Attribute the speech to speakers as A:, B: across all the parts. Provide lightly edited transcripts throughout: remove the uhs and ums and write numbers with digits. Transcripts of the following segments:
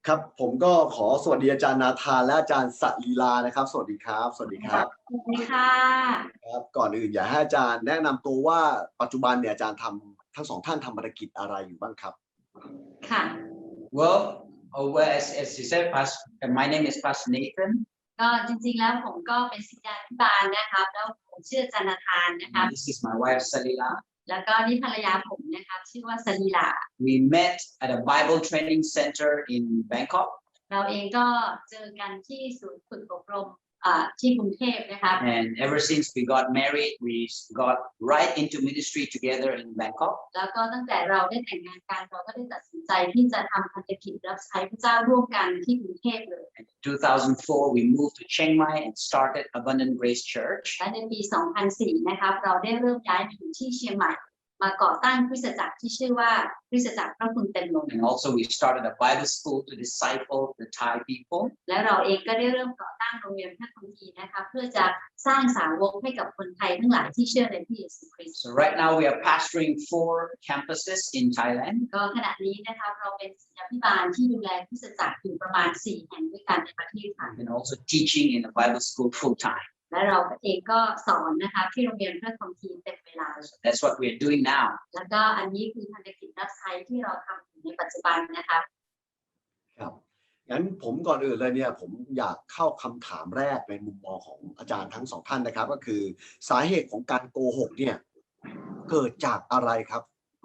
A: ครับผมก็ขอสวัสดีอาจารย์นาธานและอาจารย์สลีลานะครับสวัสดีครับสวัสดีครับ
B: สวัสดีค่ะ
A: ครับก่อนอื่นอยากให้อาจารย์แนะนำตัวว่าปัจจุบันเนี่ยอาจารย์ทำทั้งสองท่านทำภารกิจอะไรอยู่บ้างครับ
B: ค่ะ
C: Well, as you said, my name is Pastor Nathan.
B: ก็จริงๆแล้วผมก็เป็นศิษยาภิบาลนะครับแล้วผมชื่ออาจารย์นาธานนะครับ
C: This is my wife Salila.
B: แล้วก็นี่ภรรยาผมนะครับชื่อว่าสลีลา
C: We met at a Bible training center in Bangkok.
B: เราเองก็เจอกันที่ศูนย์ฝึกอบรมที่กรุงเทพนะครับ
C: And ever since we got married, we got right into ministry together in Bangkok.
B: แล้วก็ตั้งแต่เราได้แต่งงานกันเราก็ได้ตัดสินใจที่จะทำภารกิจรับใช้พระเจ้าร่วมกันที่กรุงเทพเลย
C: In 2004, we moved to Chiang Mai and started Abundant Grace Church.
B: และในปี 2004 นะครับเราได้เริ่มย้ายมาอยู่ที่เชียงใหม่มาก่อตั้งคริสตจักรที่ชื่อว่าคริสตจักรพระคุณเต็มล้น
C: And also we started a Bible school to disciple the Thai people.
B: และเราเองก็ได้เริ่มก่อตั้งโรงเรียนพระคัมภีร์นะคะเพื่อจะสร้างสาวกให้กับคนไทยทั้งหลายที่เชื่อในพระเยซูคริสต์
C: So right now we are pastoring 4 campuses in Thailand.
B: ก็ขณะนี้นะคะเราเป็นศิษยาภิบาลที่ดูแลคริสตจักรอยู่ประมาณ4แห่งด้วยกันในประเทศไทย
C: And also teaching in the Bible school full time.
B: และเราเองก็สอนนะคะที่โรงเรียนพระคัมภีร์เต็มเวลา
C: That's what we are doing now.
B: แล้วก็อันนี้คือภารกิจรับใช้ที่เราทำอยู่ในปัจจุบันนะคะ
A: ครับงั้นผมก่อนอื่นเลยเนี่ยผมอยากเข้าคำถามแรกในมุมมองของอาจารย์ทั้งสองท่านนะครับก็คือสาเหตุของการโกหกเนี่ยเกิดจากอะไรครับ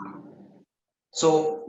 C: So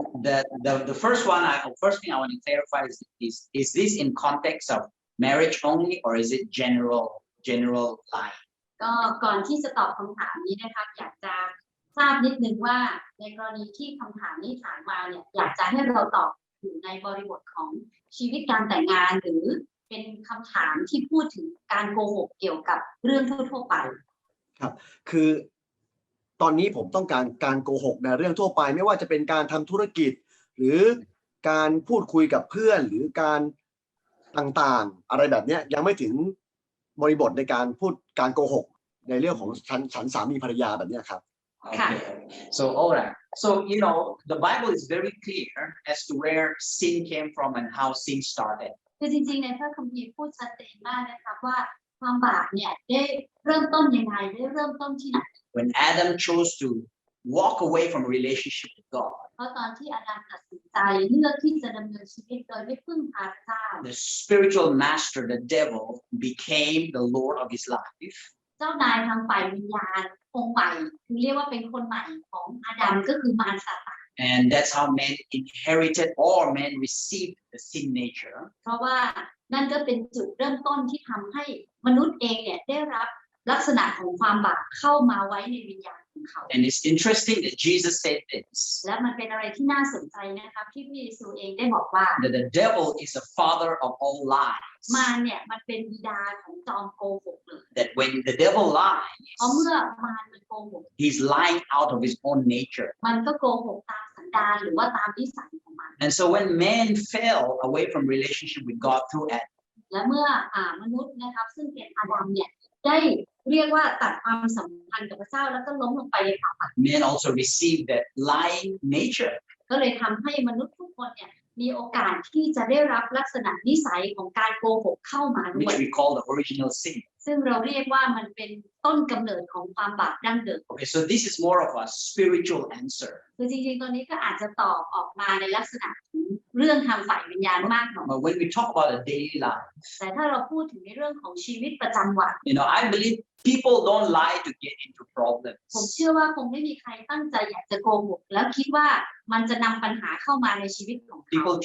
C: the first thing I want to clarify is this in context of marriage only or is it general lie?
B: ก็ก่อนที่จะตอบคำถามนี้นะครับอยากจะทราบนิดนึงว่าในกรณีที่คำถามนี้ถามมาเนี่ยอยากจะให้เราตอบอยู่ในบริบทของชีวิตการแต่งงานหรือเป็นคำถามที่พูดถึงการโกหกเกี่ยวกับเรื่องทั่วๆไป
A: ครับคือตอนนี้ผมต้องการโกหกในเรื่องทั่วไปไม่ว่าจะเป็นการทำธุรกิจหรือการพูดคุยกับเพื่อนหรือการต่างๆอะไรแบบนี้ยังไม่ถึงบริบทในการพูดการโกหกในเรื่องของฉันสามีภรรยาแบบนี้ครับ
C: Okay. So all right. So the Bible is very clear as to where sin came from and how sin started.
B: คือจริงๆในพระคัมภีร์พูดชัดเจนมากนะครับว่าความบาปเนี่ยได้เริ่มต้นยังไงได้เริ่มต้นที่ไหน
C: When Adam chose to walk away from relationship with God.
B: เพราะตอนที่อาดัมตัดสินใจเลือกที่จะดำเนินชีวิตโดยไม่พึ่งพาพระเจ้า
C: The spiritual master, the devil, became the Lord of his life.
B: เจ้านายทางฝ่ายวิญญาณองค์ใหม่คือเรียกว่าเป็นคนใหม่ของอาดัมก็คือมารซาตาน
C: And that's how man inherited or man received the sin nature.
B: เพราะว่านั่นก็เป็นจุดเริ่มต้นที่ทำให้มนุษย์เองเนี่ยได้รับลักษณะของความบาปเข้ามาไว้ในวิญญาณของเขา
C: And it's interesting that Jesus said this.
B: และมันเป็นอะไรที่น่าสนใจนะครับที่พระเยซูเองได้บอกว่า
C: That the devil is the father of all lies.
B: มารเนี่ยมันเป็นบิดาของจอมโกหกเลย
C: That when the devil
B: เพราะ
C: lies,
B: เมื่อมารมันโกหก
C: he's lying out of his own nature.
B: มันก็โกหกตามสันดานหรือว่าตามนิสัยของมัน
C: And so when man fell away from relationship with God through Adam,
B: และเมื่อมนุษย์นะครับซึ่งเป็นอาดัมเนี่ยได้เรียกว่าตัดความสัมพันธ์กับพระเจ้าแล้วก็ล้มลงไปในความบาป
C: man also received that lying nature.
B: ก็เลยทำให้มนุษย์ทุกคนเนี่ยมีโอกาสที่จะได้รับลักษณะนิสัยของการโกหกเข้ามาด้วย
C: Which we call the original sin.
B: ซึ่งเราเรียกว่ามันเป็นต้นกำเนิดของความบาปดั้งเดิม
C: Okay, so this is more of a spiritual answer.
B: คือจริงๆตัวนี้ก็อาจจะตอบออกมาในลักษณะของเรื่องทางฝ่ายวิญญาณมากหน่อย
C: But when we talk about a daily life,
B: แต่ถ้าเราพูดถึงในเรื่องของชีวิตประจำวัน
C: I believe people don't lie to get into
B: ผม
C: problems.
B: เชื่อว่าคงไม่มีใครตั้งใจอยากจะโกหกแล้วคิดว่ามันจะนำปัญหาเข้ามาในชีวิตของเขา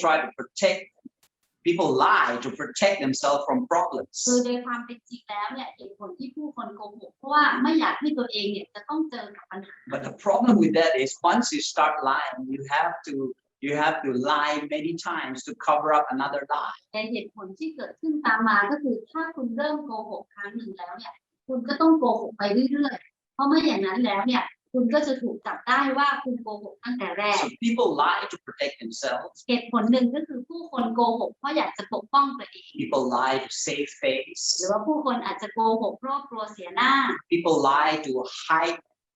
C: People lie to protect themselves from
B: คือ
C: problems.
B: โดยความเป็นจริงแล้วเนี่ยเหตุผลที่ผู้คนโกหกเพราะว่าไม่อยากให้ตัวเองเนี่ยจะต้องเจอกับปัญหา
C: But the problem with that is once you start lying, you have to lie many times to cover up another lie.
B: แต่เหตุผลที่เกิดขึ้นตามมาก็คือถ้าคุณเริ่มโกหกครั้งหนึ่งแล้วเนี่ยคุณก็ต้องโกหกไปเรื่อยๆเพราะไม่อย่างนั้นแล้วเนี่ยคุณก็จะถูกจับได้ว่าคุณโกหกตั้งแต่แรก
C: So people lie to protect themselves.
B: เหตุผลหนึ่งก็คือผู้คนโกหกเพราะอยากจะปกป้องตัวเอง
C: People lie to save
B: หรือ
C: face.
B: ว่าผู้คนอาจจะโกหกเพราะกลัวเสียหน้า
C: People lie to hide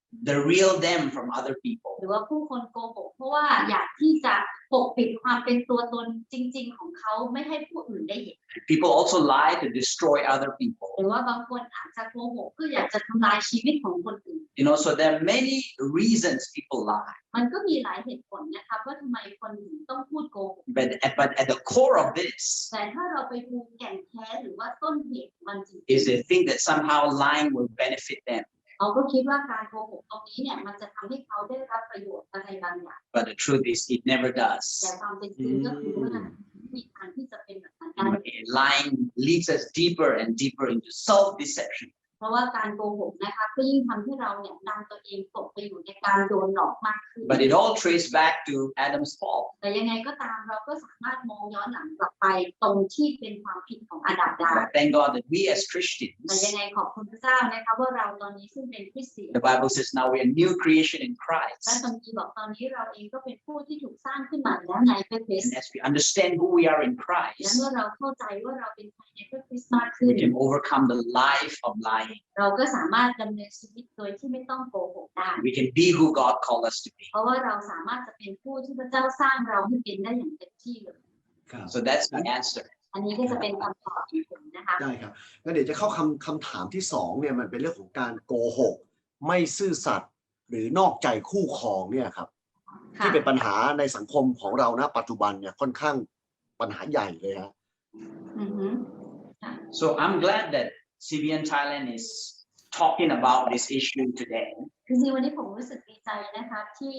C: the real them from other people.
B: หรือว่าผู้คนโกหกเพราะว่าอยากที่จะปกปิดความเป็นตัวตนจริงๆของเขาไม่ให้ผู้อื่นได้เห็น
C: People also lie to destroy other people.
B: หรือว่าบางคนอาจจะโกหกเพื่ออยากจะทำลายชีวิตของคนอื่น
C: So there are many reasons people lie.
B: มันก็มีหลายเหตุผลนะคะว่าทำไมคนถึงต้องพูดโกหก
C: But at the core of this
B: แต่ถ้าเราไปดูแก่นแท้หรือว่าต้นเหตุมันจริง
C: is they think that somehow lying will benefit them.
B: เขาก็คิดว่าการโกหกตรงนี้เนี่ยมันจะทำให้เขาได้รับประโยชน์อะไรบางอย่าง
C: But the truth is it never
B: แต่
C: does.
B: ความเป็นจริงก็คือว่ามีทางที่จะเป็นแบบนั้นได้
C: Lying leads us deeper and deeper into self-deception.
B: เพราะว่าการโกหกนะคะก็ยิ่งทำให้เราเนี่ยนำตัวเองตกไปอยู่ในการโดนหลอกมากขึ้น
C: But it all traced back to Adam's fall.
B: แต่ยังไงก็ตามเราก็สามารถมองย้อนหลังกลับไปตรงที่เป็นความผิดของอาดัมได้
C: But thank God that we as
B: แต่
C: Christians,
B: ยังไงขอบคุณพระเจ้านะคะว่าเราตอนนี้ซึ่งเป็นคริสเตียน
C: the Bible says now we're a new creation in
B: และ
C: Christ.
B: คัมภีร์บอกตอนนี้เราเองก็เป็นผู้ที่ถูกสร้างขึ้นมาแล้วในพระคริสต์
C: And as we understand who we are in
B: และ
C: Christ,
B: เมื่อเราเข้าใจว่าเราเป็นใครในพระคริสต์มากขึ้น
C: we can overcome the life of lying.
B: เราก็สามารถดำเนินชีวิตโดยที่ไม่ต้องโกหกได้
C: We can be who God called us to be.
B: เพราะว่าเราสามารถจะเป็นผู้ที่พระเจ้าสร้างเราให้เป็นได้อย่างเต็มที่เลย
A: ครับ
C: So that's the answer.
B: อันนี้ก็จะเป็นคำตอบของผมนะคะ
A: ได้ครับงั้นเดี๋ยวจะเข้าคำถามที่สองเนี่ยมันเป็นเรื่องของการโกหกไม่ซื่อสัตย์หรือนอกใจคู่ครองเนี่ยครับ
B: ค่ะ
A: ที่เป็นปัญหาในสังคมของเราณปัจจุบันเนี่ยค่อนข้างปัญหาใหญ่เลยฮะ
B: อือฮึ
C: So I'm glad that CBN Thailand is talking about this issue today.
B: จริงๆวันนี้ผมรู้สึกดีใจนะคะที่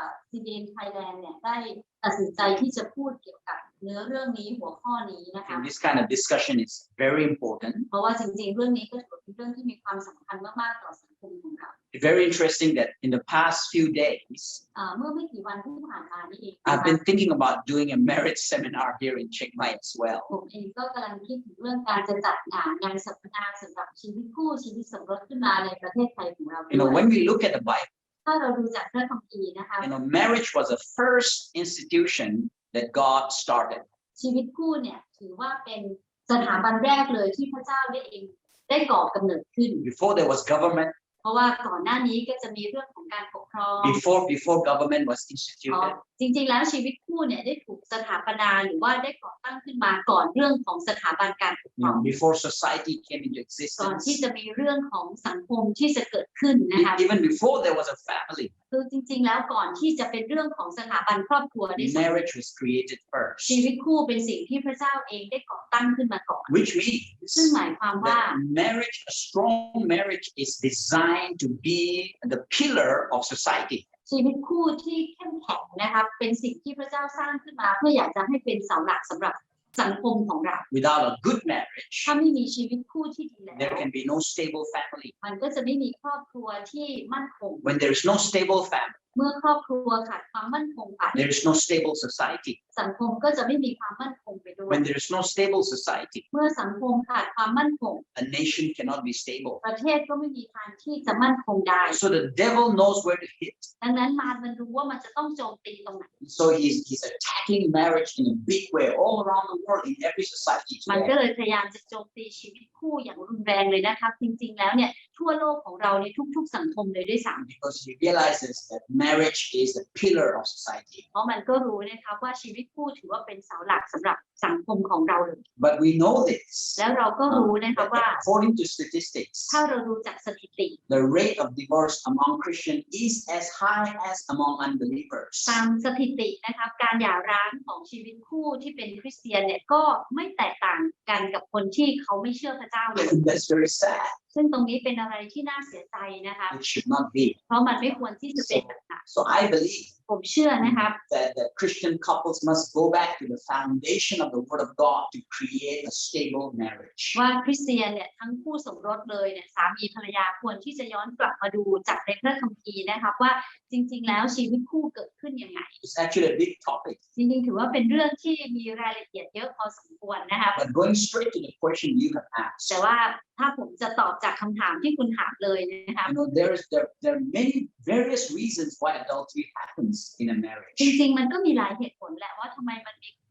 B: CBN Thailand เนี่ยได้ตัดสินใจที่จะพูดเกี่ยวกับเนื้อเรื่องนี้หัวข้อนี้นะคะ
C: And this kind of discussion is very important.
B: เพราะว่าจริงๆเรื่องนี้ก็ถือเป็นเรื่องที่มีความสำคัญมากๆต่อสังคมของเรา
C: It's very interesting that in the past few days,
B: เมื่อไม่กี่วันที่ผ่านมานี่เอง
C: I've been thinking about doing a marriage seminar here in Chiang Mai as well.
B: ผมเองก็กำลังคิดถึงเรื่องการจะจัดงานสัมมนาสำหรับชีวิตคู่ชีวิตสมรสขึ้นมาในประเทศไทยของเราด้วย
C: When we look at the Bible,
B: ถ้าเราดูจากพระคัมภีร์นะคะ
C: marriage was the first institution that God started.
B: ชีวิตคู่เนี่ยถือว่าเป็นสถาบันแรกเลยที่พระเจ้าได้ก่อกำเนิดขึ้น
C: Before there was government,
B: เพราะว่าก่อนหน้านี้ก็จะมีเรื่องของการปกครอง
C: before government was
B: อ๋อ
C: instituted,
B: จริงๆแล้วชีวิตคู่เนี่ยได้ถูกสถาปนาหรือว่าได้ก่อตั้งขึ้นมาก่อนเรื่องของสถาบันการปกครอง
C: before society came into
B: ก่อน
C: existence,
B: ที่จะมีเรื่องของสังคมที่จะเกิดขึ้นนะคะ
C: even before there was a family,
B: คือจริงๆแล้วก่อนที่จะเป็นเรื่องของสถาบันครอบครัวได้สำเร็จ
C: marriage was created
B: ชี
C: first,
B: วิตคู่เป็นสิ่งที่พระเจ้าเองได้ก่อตั้งขึ้นมาก่อน
C: which
B: ซึ่ง
C: means
B: หมายความว่า
C: that marriage, a strong marriage, is designed to be the pillar of society.
B: ชีวิตคู่ที่เข้มแข็งนะคะเป็นสิ่งที่พระเจ้าสร้างขึ้นมาเพื่ออยากจะให้เป็นเสาหลักสำหรับสังคมของเรา
C: Without a good marriage,
B: ถ้าไม่มีชีวิตคู่ที่ดีแล้ว
C: there can be no stable family.
B: มันก็จะไม่มีครอบครัวที่มั่นคง
C: When there is no stable family,
B: เมื่อครอบครัวขาดความมั่นคงไป
C: there is no stable society.
B: สังคมก็จะไม่มีความมั่นคงไปด้วย
C: When there is no stable society,
B: เมื่อสังคมขาดความมั่นคง
C: a nation cannot be stable.
B: ประเทศก็ไม่มีทางที่จะมั่นคงได้
C: So the devil knows where to hit.
B: ดังนั้นมารมันรู้ว่ามันจะต้องโจมตีตรงไหน
C: So he's attacking marriage in a big way all around the world in every society
B: มันก็
C: today.
B: เลยพยายามจะโจมตีชีวิตคู่อย่างรุนแรงเลยนะคะจริงๆแล้วเนี่ยทั่วโลกของเราในทุกๆสังคมเลยด้วยซ้ำ
C: Because he realizes that marriage is the pillar of society.
B: เพราะมันก็รู้นะคะว่าชีวิตคู่ถือว่าเป็นเสาหลักสำหรับสังคมของเราเลย
C: But we know this.
B: แล้วเราก็รู้นะคะ
C: that
B: ว่า
C: according to statistics,
B: ถ้าเราดูจากสถิติ
C: the rate of divorce among Christians is as high as among unbelievers.
B: ตามสถิตินะคะการหย่าร้างของชีวิตคู่ที่เป็นคริสเตียนเนี่ยก็ไม่แตกต่างกันกับคนที่เขาไม่เชื่อพระเจ้าเลย
C: That's very sad.
B: ซึ่งตรงนี้เป็นอะไรที่น่าเสียใจนะคะ
C: It should not be.
B: เพราะมันไม่ควรที่จะเป็นแบบนั้น
C: So I believe
B: ผมเชื่อนะคะ
C: that Christian couples must go back to the foundation of the Word of God to create a stable marriage.
B: ว่าคริสเตียนเนี่ยทั้งคู่สมรสเลยเนี่ยสามีภรรยาควรที่จะย้อนกลับมาดูจากในพระคัมภีร์นะคะว่าจริงๆแล้วชีวิตคู่เกิดขึ้นยังไง
C: It's actually a big topic.
B: จริงๆถือว่าเป็นเรื่องที่มีรายละเอียดเยอะพอสมควรนะคะ
C: But going straight to the question you have asked,
B: แต่ว่าถ้าผมจะตอบจากคำถามที่คุณถามเลยนะคะ
C: there are many various reasons why adultery happens in a marriage.
B: จริงๆมันก็มีหลายเหตุผลแหละว่าทำไมมันมี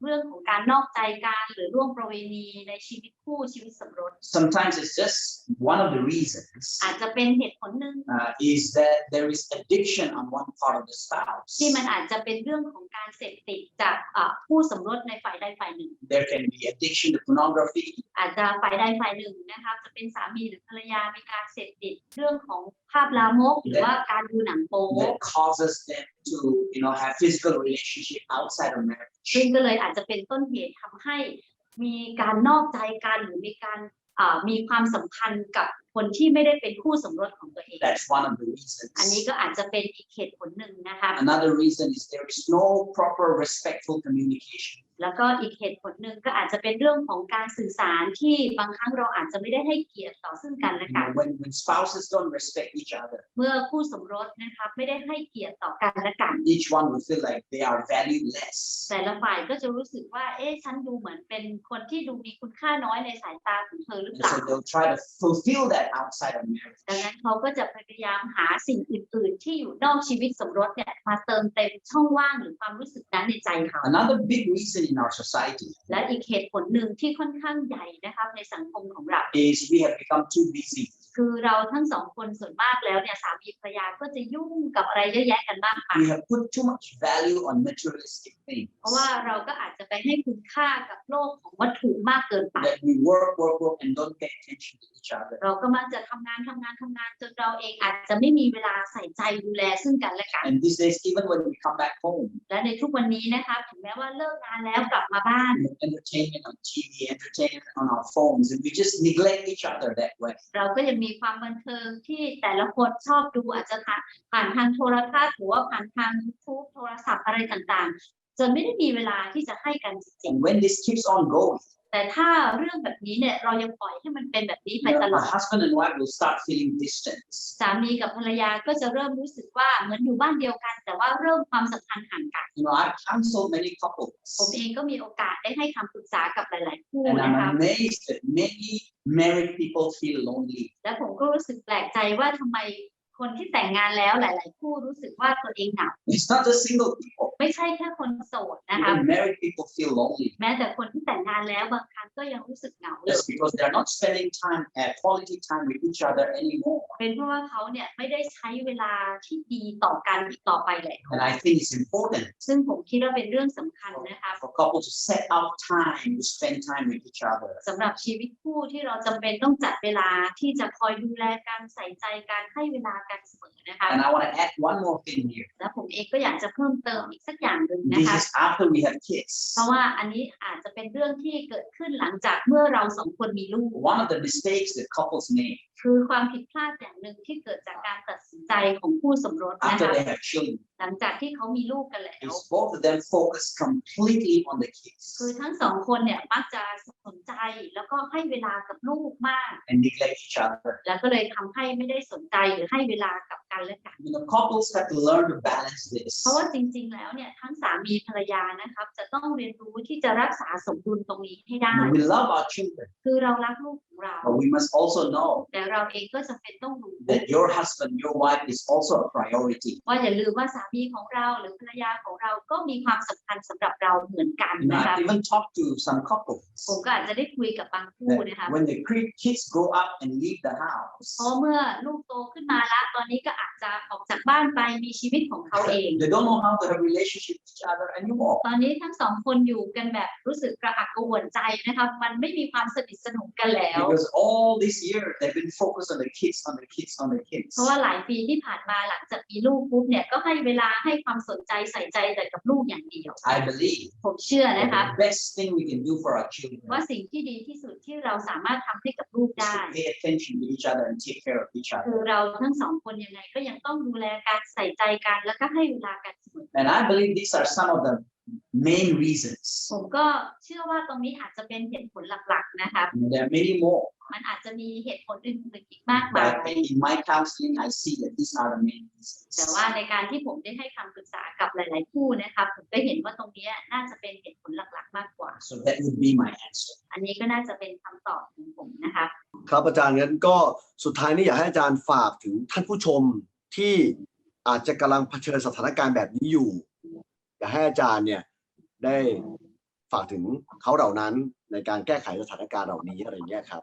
B: เรื่องของการนอกใจกันหรือร่วมประเวณีในชีวิตคู่ชีวิตสมรส
C: Sometimes it's just one of the reasons
B: อาจจะเป็นเหตุผลหนึ่ง
C: is that there is addiction on one part of the spouse.
B: ที่มันอาจจะเป็นเรื่องของการเสพติดจากคู่สมรสในฝ่ายใดฝ่ายหนึ่ง
C: There can be addiction to pornography
B: อาจจะฝ่ายใดฝ่ายหนึ่งนะคะจะเป็นสามีหรือภรรยามีการเสพติดเรื่องของภาพลามกหรือว่าการดูหนังโป๊
C: that causes them to, have physical relationship outside of marriage.
B: ซึ่งก็เลยอาจจะเป็นต้นเหตุทำให้มีการนอกใจกันหรือมีการมีความสัมพันธ์กับคนที่ไม่ได้เป็นคู่สมรสของตัวเอง
C: That's one of the reasons.
B: อันนี้ก็อาจจะเป็นอีกเหตุผลหนึ่งนะคะ
C: Another reason is there is no proper respectful communication.
B: แล้วก็อีกเหตุผลหนึ่งก็อาจจะเป็นเรื่องของการสื่อสารที่บางครั้งเราอาจจะไม่ได้ให้เกียรติต่อซึ่งกันและกัน
C: When spouses don't respect each other,
B: เมื่อคู่สมรสนะคะไม่ได้ให้เกียรติต่อกันและกัน
C: each one will feel like they are valued less.
B: แต่ละฝ่ายก็จะรู้สึกว่าฉันดูเหมือนเป็นคนที่ดูมีคุณค่าน้อยในสายตาของเธอหรือเป
C: And
B: ล่า
C: so they'll try to fulfill that outside of marriage.
B: ดังนั้นเขาก็จะพยายามหาสิ่งอื่น ๆ ที่อยู่นอกชีวิตสมรสเนี่ยมาเติมเต็มช่องว่างหรือความรู้สึกนั้นในใจเขา
C: Another big reason in our society
B: และอีกเหตุผลหนึ่งที่ค่อนข้างใหญ่นะครับในสังคมของเรา
C: is we have become too busy.
B: คือเราทั้งสองคนส่วนมากแล้วเนี่ยสามีภรรยาก็จะยุ่งกับอะไรเยอะแยะกันมากมาย
C: We have put too much value on materialistic things.
B: เพราะว่าเราก็อาจจะไปให้คุณค่ากับโลกของวัตถุมากเกินไป
C: That we work, and don't pay attention to each other.
B: เราก็มักจะทำงานจนเราเองอาจจะไม่มีเวลาใส่ใจดูแลซึ่งกันและกัน
C: And these days, even when we come back home,
B: และในทุกวันนี้นะคะถึงแม้ว่าเลิกงานแล้วกลับมาบ้าน
C: entertainment on TV, entertainment on our phones, and we just neglect each other that way.
B: เราก็ยังมีความบันเทิงที่แต่ละคนชอบดูอาจจะผ่านทางโทรทัศน์หรือว่าผ่านทาง YouTube โทรศัพท์อะไรต่างๆจนไม่ได้มีเวลาที่จะให้กันจริง
C: And when this keeps on going,
B: ๆแต่ถ้าเรื่องแบบนี้เนี่ยเรายังปล่อยให้มันเป็นแบบนี้ไปตลอ
C: a
B: ด
C: husband and wife will start feeling distance.
B: สามีกับภรรยาก็จะเริ่มรู้สึกว่าเหมือนอยู่บ้านเดียวกัน แต่ว่าเริ่มความสัมพันธ์ห่างกัน
C: I've counseled many couples,
B: ผมเองก็มีโอกาสได้ให้คำปรึกษากับหลาย ๆ คู่
C: and
B: นะคะ
C: I'm amazed that many married people feel lonely.
B: และผมก็รู้สึกแปลกใจว่าทำไมคนที่แต่งงานแล้วหลาย ๆ คู่รู้สึกว่าตัวเองเหงา
C: It's not just single people.
B: ไม่ใช่แค่คนโสดนะคะ
C: Even married people feel lonely.
B: แม้แต่คนที่แต่งงานแล้วบางครั้งก็ยังรู้สึกเหงาเลย
C: That's because they're not spending quality time with each other anymore.
B: เป็นเพราะว่าเขาเนี่ยไม่ได้ใช้เวลาที่ดีต่อกันอีกต่อไปแล้ว
C: And I think it's important
B: ซึ่งผมคิดว่าเป็นเรื่องสำคัญนะคะ
C: for couples to set out time to spend time with each other.
B: สำหรับชีวิตคู่ที่เราจำเป็นต้องจัดเวลาที่จะคอยดูแลกันใส่ใจกันให้เวลากันเสมอนะคะ
C: And I want to add one more thing here.
B: และผมเองก็อยากจะเพิ่มเติมอีกสักอย่างหนึ่งนะ
C: This
B: คะ
C: is after we have kids.
B: เพราะว่าอันนี้อาจจะเป็นเรื่องที่เกิดขึ้นหลังจากเมื่อเราสองคนมีลูก
C: One of the mistakes that couples make
B: คือความผิดพลาดอย่างหนึ่งที่เกิดจากการตัดสินใจของคู่สมรสนะ
C: after
B: คะ
C: they have children
B: หลังจากที่เขามีลูกกันแล้ว
C: is both of them focus completely on the kids
B: คือทั้งสองคนเนี่ยมักจะสนใจแล้วก็ให้เวลากับลูกมาก
C: and neglect each other.
B: แล้วก็เลยทำให้ไม่ได้สนใจหรือให้เวลากับกันและกัน
C: Couples have to learn to balance this.
B: เพราะว่าจริงๆแล้วเนี่ยทั้งสามีภรรยานะครับจะต้องเรียนรู้ที่จะรักษาสมดุลตรงนี้ให้ได้
C: We love our children,
B: คือเรารักลูกของเรา
C: but we must also know
B: แต่เราเองก็จำเป็นต้องรู้
C: that your husband, your wife is also a priority.
B: ว่าอย่าลืมว่าสามีของเราหรือภรรยาของเราก็มีความสำคัญสำหรับเราเหมือนกันนะคะ
C: I've even talked to some couples
B: ผมก็อาจจะได้คุยกับบางคู่นะคะ
C: that when the kids grow up and leave the house,
B: เพราะเมื่อลูกโตขึ้นมาละตอนนี้ก็อาจจะออกจากบ้านไปมีชีวิตของเขาเอง
C: they don't know how to have relationship with each other anymore.
B: ตอนนี้ทั้งสองคนอยู่กันแบบรู้สึกกระอักกระอ่วนใจนะคะมันไม่มีความสนิทสนมกันแล้ว
C: Because all this year they've been focused on the kids, on the kids, on the kids.
B: เพราะว่าหลายปีที่ผ่านมาหลังจากมีลูกปุ๊บเนี่ยก็ให้เวลาให้ความสนใจใส่ใจแต่กับลูกอย่างเดียว
C: I believe
B: ผมเชื่อ
C: that
B: นะคะ
C: the best thing we can do for our children
B: ว่าสิ่งที่ดีที่สุดที่เราสามารถทำให้กับลูก
C: is
B: ได้
C: to pay attention to each other and take care of each
B: คือ
C: other.
B: เราทั้งสองคนยังไงก็ยังต้องดูแลการใส่ใจกันแล้วก็ให้เวลากันเสมอ
C: And I believe these are some of the main reasons.
B: ผมก็เชื่อว่าตรงนี้อาจจะเป็นเหตุผลหลักๆนะคะ
C: And there are many more.
B: มันอาจจะมีเหตุผลอื่นๆอีกมากมาย
C: But in my counseling, I see that these are the main
B: แต่
C: reasons.
B: ว่าในการที่ผมได้ให้คำปรึกษากับหลาย ๆ คู่นะคะผมก็เห็นว่าตรงนี้น่าจะเป็นเหตุผลหลักๆ มากกว่า
C: So that would be my answer.
B: อันนี้ก็น่าจะเป็นคำตอบของผมนะคะ
A: ครับอาจารย์งั้นก็สุดท้ายนี้อยากให้อาจารย์ฝากถึงท่านผู้ชมที่อาจจะกำลังเผชิญสถานการณ์แบบนี้อยู่อยากให้อาจารย์เนี่ยได้ฝากถึงเขาเหล่านั้นในการแก้ไขสถานการณ์เหล่านี้อะไรเงี้ยครับ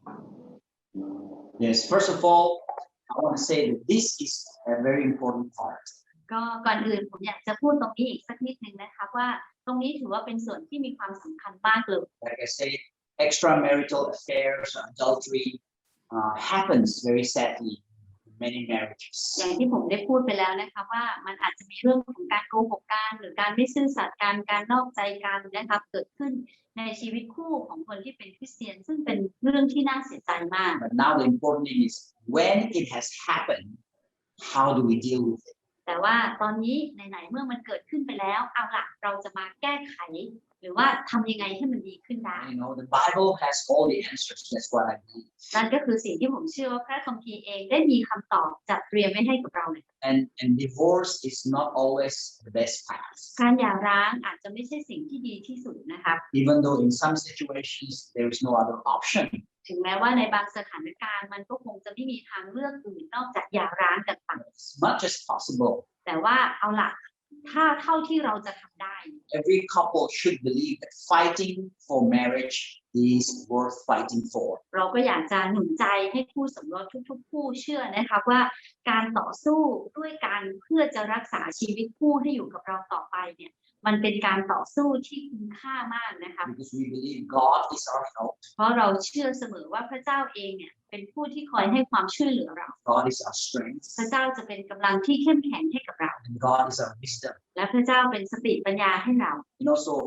C: Yes, first of all, I want to say that this is a very important part.
B: ก็ก่อนอื่นผมอยากจะพูดตรงนี้อีกสักนิดนึงนะคะว่าตรงนี้ถือว่าเป็นส่วนที่มีความสำคัญมากเลย
C: Like I said, extramarital affairs, adultery, happens very sadly in many marriages.
B: อย่างที่ผมได้พูดไปแล้วนะคะว่ามันอาจจะมีเรื่องของการโกหกกันหรือการไม่ซื่อสัตย์กันการนอกใจกันนะคะเกิดขึ้นในชีวิตคู่ของคนที่เป็นคริสเตียนซึ่งเป็นเรื่องที่น่าเสียใจมาก
C: But now the important thing is when it has happened, how do we deal with it?
B: แต่ว่าตอนนี้ไหนๆเมื่อมันเกิดขึ้นไปแล้วเอาล่ะเราจะมาแก้ไขหรือว่าทำยังไงให้มันดีขึ้นได้
C: You know, the Bible has all the answers. That's what I believe.
B: นั่นก็คือสิ่งที่ผมเชื่อว่าพระคัมภีร์เองได้มีคำตอบจัดเตรียมไว้ให้กับเราเลย
C: And divorce is not always the best path.
B: การหย่าร้างอาจจะไม่ใช่สิ่งที่ดีที่สุดนะคะ
C: Even though in some situations there is no other option.
B: ถึงแม้ว่าในบางสถานการณ์มันก็คงจะไม่มีทางเลือกอื่นนอกจากหย่าร้างกันไป
C: As much as possible,
B: แต่ว่าเอาล่ะถ้าเท่าที่เราจะทำได้
C: every couple should believe that fighting for marriage is worth fighting for.
B: เราก็อยากจะหนุนใจให้คู่สมรสทุกๆคู่เชื่อนะคะว่าการต่อสู้ด้วยการเพื่อจะรักษาชีวิตคู่ให้อยู่กับเราต่อไปเนี่ยมันเป็นการต่อสู้ที่คุ้มค่ามากนะคะ
C: Because we believe God is our help,
B: เพราะเราเชื่อเสมอว่าพระเจ้าเองเนี่ยเป็นผู้ที่คอยให้ความช่วยเหลือเรา
C: God is our strength,
B: พระเจ้าจะเป็นกำลังที่เข้มแข็งให้กับเรา
C: and God is our wisdom.
B: และพระเจ้าเป็นสติปัญญาให้เรา
C: You know, so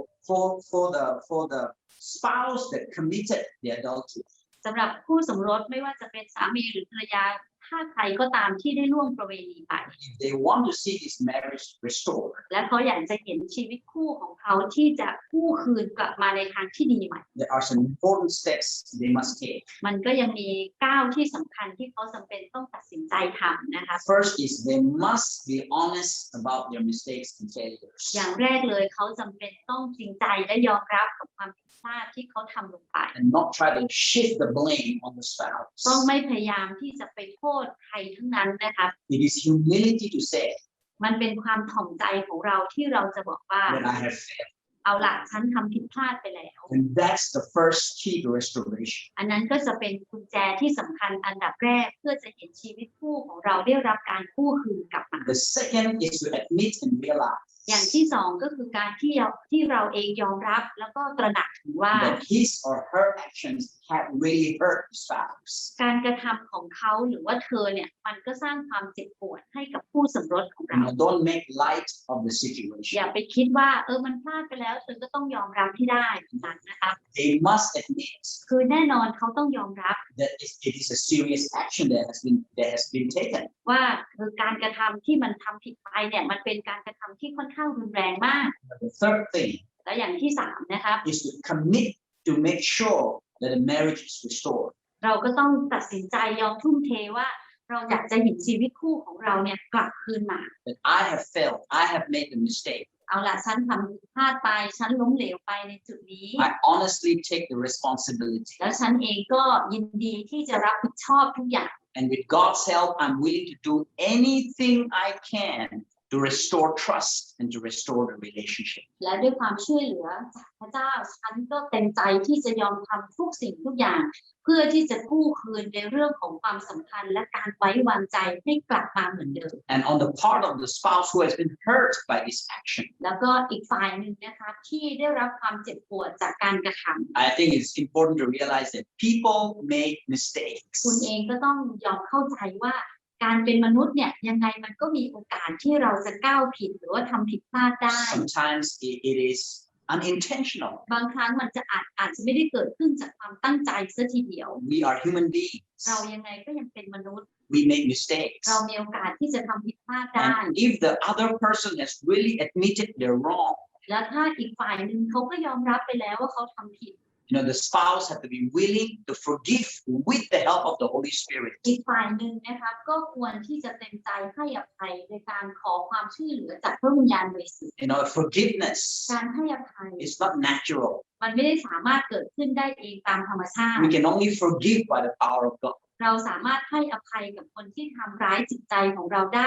C: for the spouse that committed the adultery,
B: สำหรับคู่สมรสไม่ว่าจะเป็นสามีหรือภรรยาถ้าใครก็ตามที่ได้ล่วงประเวณีไป
C: if they want to see this marriage restored,
B: และเขาอยากจะเห็นชีวิตคู่ของเขาที่จะกู้คืนกลับมาในทางที่ดีใหม่
C: there are some important steps they must take.
B: มันก็ยังมีก้าวที่สำคัญที่เขาจำเป็นต้องตัดสินใจทำนะคะ
C: First is they must be honest about their mistakes and failures.
B: อย่างแรกเลยเขาจำเป็นต้องจริงใจและยอมรับกับความผิดพลาดที่เขาทำลงไป
C: And not try to shift the blame on the spouse.
B: ต้องไม่พยายามที่จะไปโทษใครทั้งนั้นนะคะ
C: It is humility to say
B: มันเป็นความถ่อมใจของเราที่เราจะบอกว่า
C: that I have failed.
B: เอาล่ะฉันทำผิดพลาดไปแล้ว
C: And that's the first key to restoration.
B: อันนั้นก็จะเป็นกุญแจที่สำคัญอันดับแรกเพื่อจะเห็นชีวิตคู่ของเราได้รับการกู้คืนกลับมา
C: The second is to admit and realize
B: อย่างที่สองก็คือการที่เราเองยอมรับแล้วก็ตระหนักถึงว่า
C: that his or her actions have really hurt the spouse.
B: การกระทำของเขาหรือว่าเธอเนี่ยมันก็สร้างความเจ็บปวดให้กับคู่สมรสของเรา
C: Don't make light of the
B: อย่า
C: situation.
B: ไปคิดว่ามันพลาดไปแล้วเธอก็ต้องยอมรับที่ได้นั้นนะคะ
C: They must admit
B: คือแน่นอนเขาต้องยอมรับ
C: that it is a serious action that has been taken.
B: ว่าการกระทำที่มันทำผิดไปเนี่ยมันเป็นการกระทำที่ค่อนข้างรุนแรงมาก
C: But the third thing
B: และอย่างที่สามนะครับ
C: is to commit to make sure that the marriage is restored.
B: เราก็ต้องตัดสินใจยอมทุ่มเทว่าเราอยากจะเห็นชีวิตคู่ของเราเนี่ยกลับคืนมา
C: That I have failed, I have made a mistake.
B: เอาล่ะฉันทำผิดพลาดไปฉันล้มเหลวไปในจุดนี้
C: I honestly take the responsibility.
B: แล้วฉันเองก็ยินดีที่จะรับผิดชอบทุกอย่าง
C: And with God's help, I'm willing to do anything I can to restore trust and to restore the relationship.
B: และด้วยความช่วยเหลือจากพระเจ้าฉันก็เต็มใจที่จะยอมทำทุกสิ่งทุกอย่าง เพื่อที่จะกู้คืนในเรื่องของความสัมพันธ์และการไว้วางใจให้กลับมาเหมือนเดิม
C: And on the part of the spouse who has been hurt by this action,
B: แล้วก็อีกฝ่ายหนึ่งนะคะที่ได้รับความเจ็บปวดจากการกระทำ
C: I think it's important to realize that people make mistakes.
B: คุณเองก็ต้องยอมเข้าใจว่าการเป็นมนุษย์เนี่ยยังไงมันก็มีโอกาสที่เราจะก้าวผิดหรือว่าทำผิดพลาดได้
C: Sometimes it is unintentional.
B: บางครั้งมันจะอาจจะไม่ได้เกิดขึ้นจากความตั้งใจซะทีเดียว
C: We are human beings.
B: เรายังไงก็ยังเป็นมนุษย์
C: We make mistakes.
B: เรามีโอกาสที่จะทำผิดพลาดได้
C: And if the other person has really admitted they're wrong,
B: แล้วถ้าอีกฝ่ายหนึ่งเขาก็ยอมรับไปแล้วว่าเขาทำผิด
C: the spouse have to be willing to forgive with the help of the Holy Spirit.
B: อีกฝ่ายหนึ่งนะคะก็ควรที่จะเต็มใจให้อภัยโดยการขอความช่วยเหลือจากพระวิญญาณบริสุทธิ์
C: Forgiveness
B: การให้อภัย
C: is not natural.
B: มันไม่ได้สามารถเกิดขึ้นได้เองตามธรรมชาติ
C: We can only forgive by the power of God.
B: เราสามารถให้อภัยกับคนที่ทำร้ายจิตใจของเราได้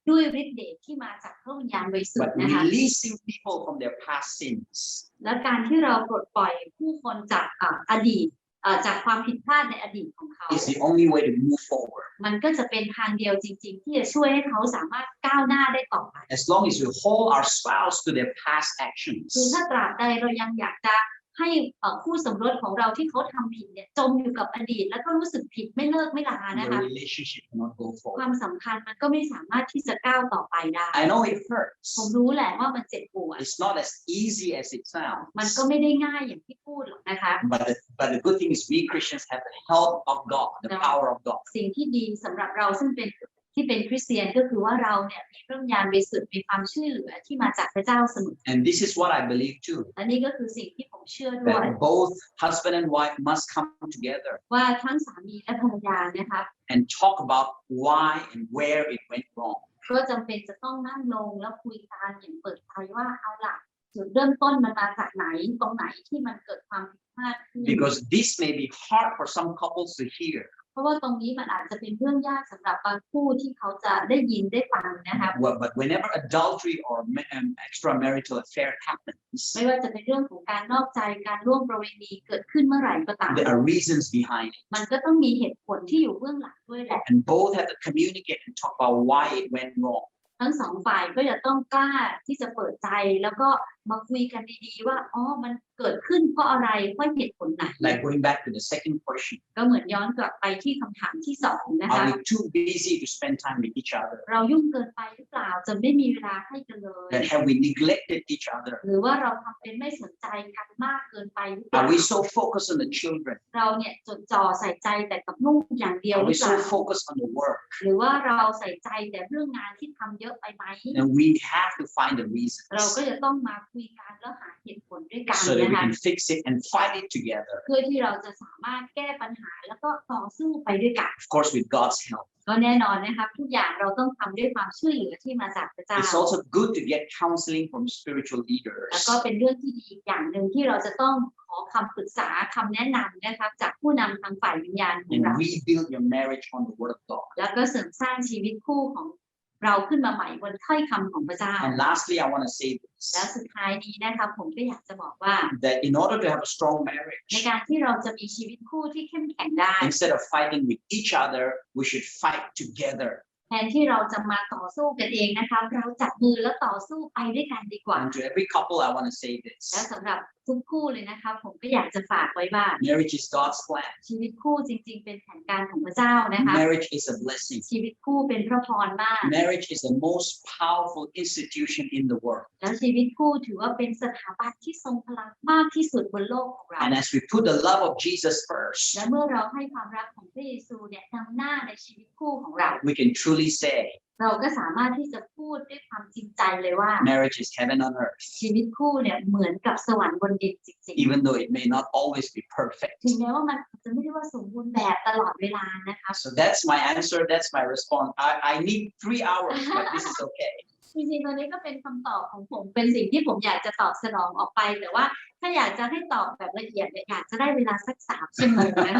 B: ด้วยฤทธิ์เดชที่มาจากพระวิญญาณบริสุท
C: But
B: ธิ์นะคะ
C: releasing people from their past sins
B: และการที่เราปลดปล่อยผู้คนจากอดีตจากความผิดพลาดในอดีตของเขา
C: is the only way to move forward.
B: มันก็จะเป็นทางเดียวจริงๆที่จะช่วยให้เขาสามารถก้าวหน้าได้ต่อไป
C: As long as we hold our spouse to their past
B: คือ
C: actions,
B: ถ้าตราบใดเรายังอยากจะให้คู่สมรสของเราที่เขาทำผิดเนี่ยจมอยู่กับอดีตแล้วก็รู้สึกผิดไม่เลิกไม่ลานะ
C: the
B: คะ
C: relationship cannot go
B: ควา
C: forward.
B: มสัมพันธ์มันก็ไม่สามารถที่จะก้าวต่อไปได้
C: I know it
B: ผม
C: hurts.
B: รู้แหละว่ามันเจ็บปวด
C: It's not as easy as it
B: มันก็
C: sounds.
B: ไม่ได้ง่ายอย่างที่พูดหรอกนะคะ
C: But the good thing is we Christians have the help of God, the power of God.
B: สิ่งที่ดีสำหรับเราซึ่งเป็นคริสเตียนก็คือว่าเราเนี่ยมีพระวิญญาณบริสุทธิ์มีความช่วยเหลือที่มาจากพระเจ้าเสมอ
C: And this is what I believe too,
B: และนี่ก็คือสิ่งที่ผมเชื่อด้วย
C: that both husband and wife must come together
B: ว่าทั้งสามีและภรรยานะคะ
C: and talk about why and where it went wrong.
B: ก็จำเป็นจะต้องนั่งลงแล้วคุยกันอย่างเปิดใจว่าเอาล่ะจุดเริ่มต้นมันมาจากไหนตรงไหนที่มันเกิดความผิดพลาดขึ้น
C: Because this may be hard for some couples to hear.
B: เพราะว่าตรงนี้มันอาจจะเป็นเรื่องยากสำหรับบางคู่ที่เขาจะได้ยินได้ฟังนะคะ
C: But whenever adultery or extramarital affair happens,
B: ไม่ว่าจะเป็นเรื่องของการนอกใจการร่วมประเวณีเกิดขึ้นเมื่อไหร่ก็ตาม
C: there are reasons behind it.
B: มันก็ต้องมีเหตุผลที่อยู่เบื้องหลังด้วยแหละ
C: And both have to communicate and talk about why it went wrong.
B: ทั้งสองฝ่ายก็จะต้องกล้าที่จะเปิดใจแล้วก็มาคุยกันดีๆว่าอ๋อมันเกิดขึ้นเพราะอะไรเพราะเหตุผลไหน
C: Like going back to the second question,
B: ก็เหมือนย้อนกลับไปที่คำถามที่สองนะคะ
C: are we too busy to spend time with each other?
B: เรายุ่งเกินไปหรือเปล่าจนไม่มีเวลาให้กันเลย
C: That have we neglected each other?
B: หรือว่าเราทำเป็นไม่สนใจกันมากเกินไปหรือเปล่า
C: Are we so focused on the children?
B: เราเนี่ยจดจ่อใส่ใจแต่กับลูกอย่างเดียว
C: Are
B: หรื
C: we
B: อเปล่า
C: so focused on the work?
B: หรือว่าเราใส่ใจแต่เรื่องงานที่ทำเยอะไปไหม
C: And we have to find the reasons
B: เราก็จะต้องมาคุยกันแล้วหาเหตุผลด้วยกัน
C: so that
B: นะ
C: we
B: คะ
C: can fix it and fight it together.
B: เพื่อที่เราจะสามารถแก้ปัญหาแล้วก็ต่อสู้ไปด้วยกัน
C: Of course, with God's help.
B: ก็แน่นอนนะคะทุกอย่างเราต้องทำด้วยความช่วยเหลือที่มาจากพระเจ้า
C: It's also good to get counseling from spiritual
B: แล้ว
C: leaders
B: ก็เป็นเรื่องที่ดีอีกอย่างหนึ่งที่เราจะต้องขอคำปรึกษาคำแนะนำนะคะจากผู้นำทางฝ่ายวิญญาณของ
C: and
B: เรา
C: rebuild your marriage on the Word of God.
B: แล้วก็เสริมสร้างชีวิตคู่ของเราขึ้นมาใหม่บนถ้อยคำของพระเจ้า
C: And lastly, I want to say
B: และ
C: this,
B: สุดท้ายนี้นะคะผมก็อยากจะบอกว่า
C: that in order to have a strong
B: ใน
C: marriage,
B: การที่เราจะมีชีวิตคู่ที่เข้มแข็งได้
C: instead of fighting with each other, we should fight together.
B: แทนที่เราจะมาต่อสู้กันเองนะคะเราจับมือแล้วต่อสู้ไปด้วยกันดีกว่า
C: And to every couple, I want to say
B: และ
C: this.
B: สำหรับทุกคู่เลยนะคะผมก็อยากจะฝากไว้ว่า
C: Marriage is God's plan.
B: ชีวิตคู่จริงๆเป็นแผนการของพระเจ้านะคะ
C: Marriage is a blessing.
B: ชีวิตคู่เป็นพระพรมาก
C: Marriage is the most powerful institution in the world.
B: แล้วชีวิตคู่ถือว่าเป็นสถาบันที่ทรงพลังมากที่สุดบนโลกของเรา
C: And as we put the love of Jesus
B: และ
C: first,
B: เมื่อเราให้ความรักของพระเยซูเนี่ยนำหน้าในชีวิตคู่ของเรา
C: we can truly say
B: เราก็สามารถที่จะพูดด้วยความจริงใจเลยว่า
C: marriage is heaven on earth,
B: ชีวิตคู่เนี่ยเหมือนกับสวรรค์บนดินจริง
C: even though it may not always be perfect.
B: ๆถึงแม้ว่ามันอาจจะไม่ได้ว่าสมบูรณ์แบบตลอดเวลานะคะ
C: So that's my answer. That's my response. I need 3 hours, but this is okay.
B: จริงๆตอนนี้ก็เป็นคำตอบของผมเป็นสิ่งที่ผมอยากจะตอบสนองออกไป แต่ว่าถ้าอยากจะให้ตอบแบบละเอียดเนี่ยอยากจะได้เวลาสัก3 ชั่วโมงนะ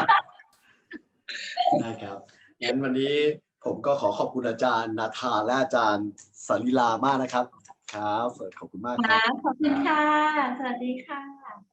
A: ได้ครับงั้นวันนี้ผมก็ขอบคุณอาจารย์นาธานและอาจารย์สลีลามากนะครับครับขอบคุณมากค
B: ค่ะ
A: รับ
B: ขอบคุณค่ะ สวัสดีค่ะ